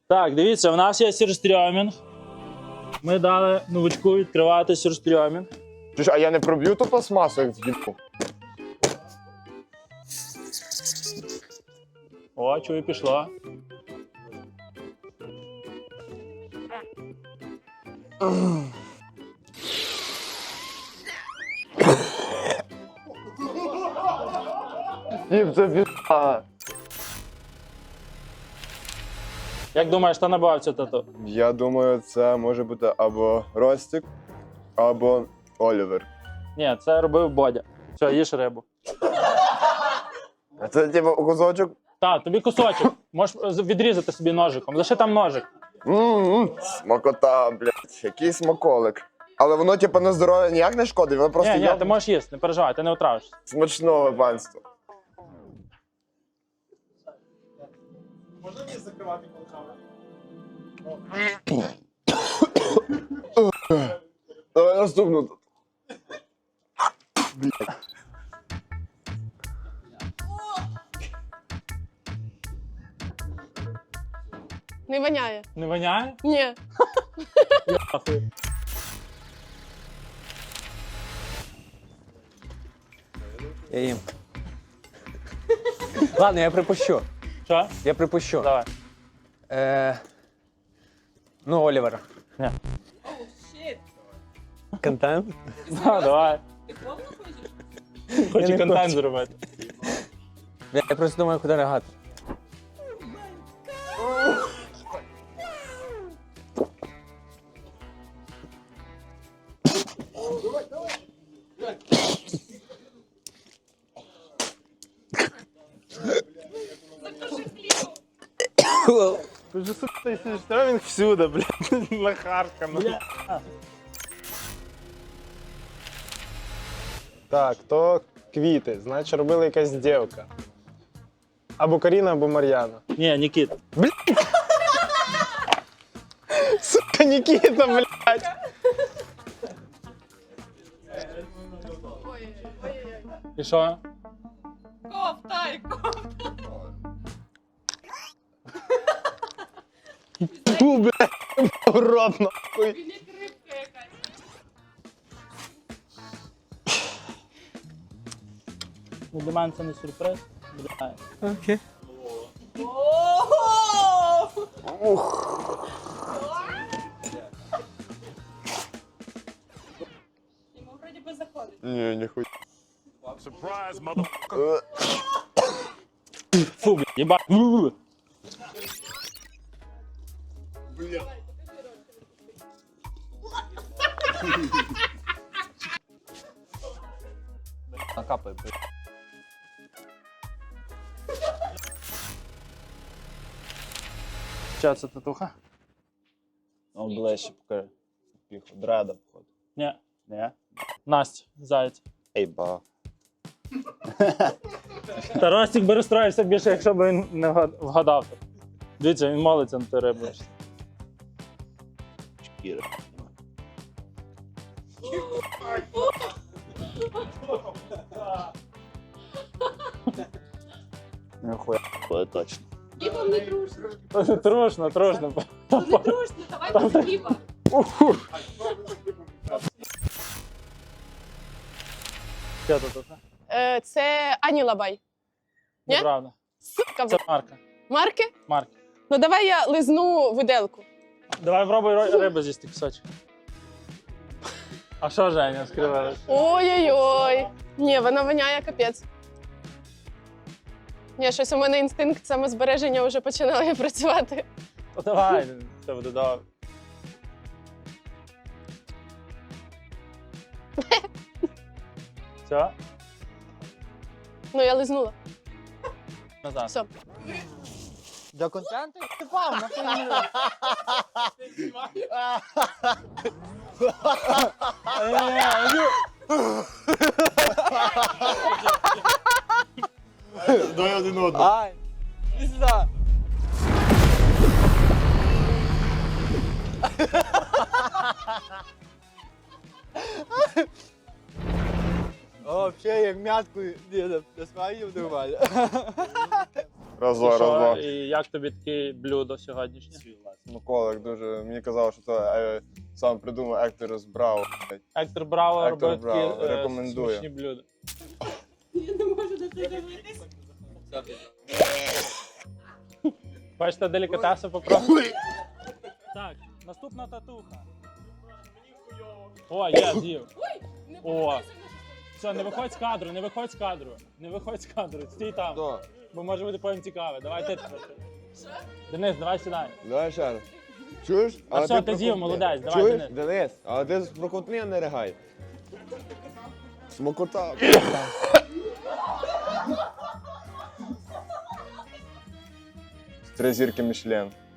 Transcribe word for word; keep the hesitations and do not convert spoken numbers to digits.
Так, дивіться, в нас є сюрстрьомінг. Ми дали новичку відкривати сюрстрьомінг. Слушай, а я не проб'ю ту пластмасу, як в'їбу? О, чую, пішло. Дім, це пізда. Як думаєш, хто набивав цю тату? Я думаю, це може бути або Ростик, або Олівер. Ні, це робив Бодя. Все, їж рибу. А це типу кусочок? Так, тобі кусочок. Можеш відрізати собі ножиком. Лише там ножик. Ммм, смакота, блядь, який смаколик. Але воно, типу, на здоров'я ніяк не шкодить, воно просто Ні, ні, є ти можеш їсти, не переживай, ти не отравишся. смачного панства. Можна мені закривати колками? Давай наступну тут. Не воняє. Не воняє? Ні. Ахуй. Я їм. Ладно, я припущу. Що? Я припущу. Давай. Е... Ну, Олівер. Ні. Контент? Да, давай. Хочу не контент хочу. зробити. Я я просто думаю, куди регати. Тут же, сука, цей сюрстрьомінг всюди, блядь, нахаркано. Так, то квіти, значить робила якась дівка. Або Каріна, або Мар'яна. Ні, Нікіт. Сука, Нікіта, блядь! І що? Ковтай, Фу, блядь, в рот, нахуй. рибка якась. Ну, для мене це не сюрприз. Бля. Окей. Йому вроді би заходить. Ні, ніхуя. Фу, бля, їба. Бу. Накапай, блядь. Що це татуха? Он ближче покажи. Піху. Дреда, походу. Ні. Ні? Настя, заяць. Ей, ба. Та Ростик би розстроївся більше, якщо б він не вгад- вгадав. Дивіться, він молиться на ту рибу. Шкіра. Нихуя, буде точно. Хліба не дружно. Трушно, трушно. Ну не дружно, давай без хліба. Що татуха? Е, Це Ані Лабай. Ні? Неправда. Сука, Це Марка. Марки? Марка. Ну давай я лизну виделку. Давай пробуй ро- рибу з'їсти кусочок. А що Женя скривила? Ой-ой-ой. Ні, вона воняє капець. Ні, щось у мене інстинкт самозбереження вже починає працювати. То давай, це буде добре. Все? Ну, я лизнула. Назад. Все. Для контенту? Давай один одного. Ай! Пізда! О, взагалі, як м'яткою, ні, не смаю нормально. Разо, І що? разо. І як тобі таке блюдо сьогоднішнє? Смаколик дуже. Мені казав, що це е, сам придумав Ектор з Браво. Ектор Браво Ектор робить такі Браво, е, рекомендую. смачні блюда. Хочете делікатеси попробувати? Так, наступна татуха. О, є, з'їв. О. Все, не виходь з кадру, не виходь з кадру. Не виходь з кадру, стій там. Хто? Бо може бути потім цікаве. Давай ти. Денис, давай сідай. Давай ще раз. Чуєш? А все, ти з'їв, молодець, давай, Чуєш, Денис. Денис? А ти прокутни, а не ригай. Смакота. Три зірки Мішлен.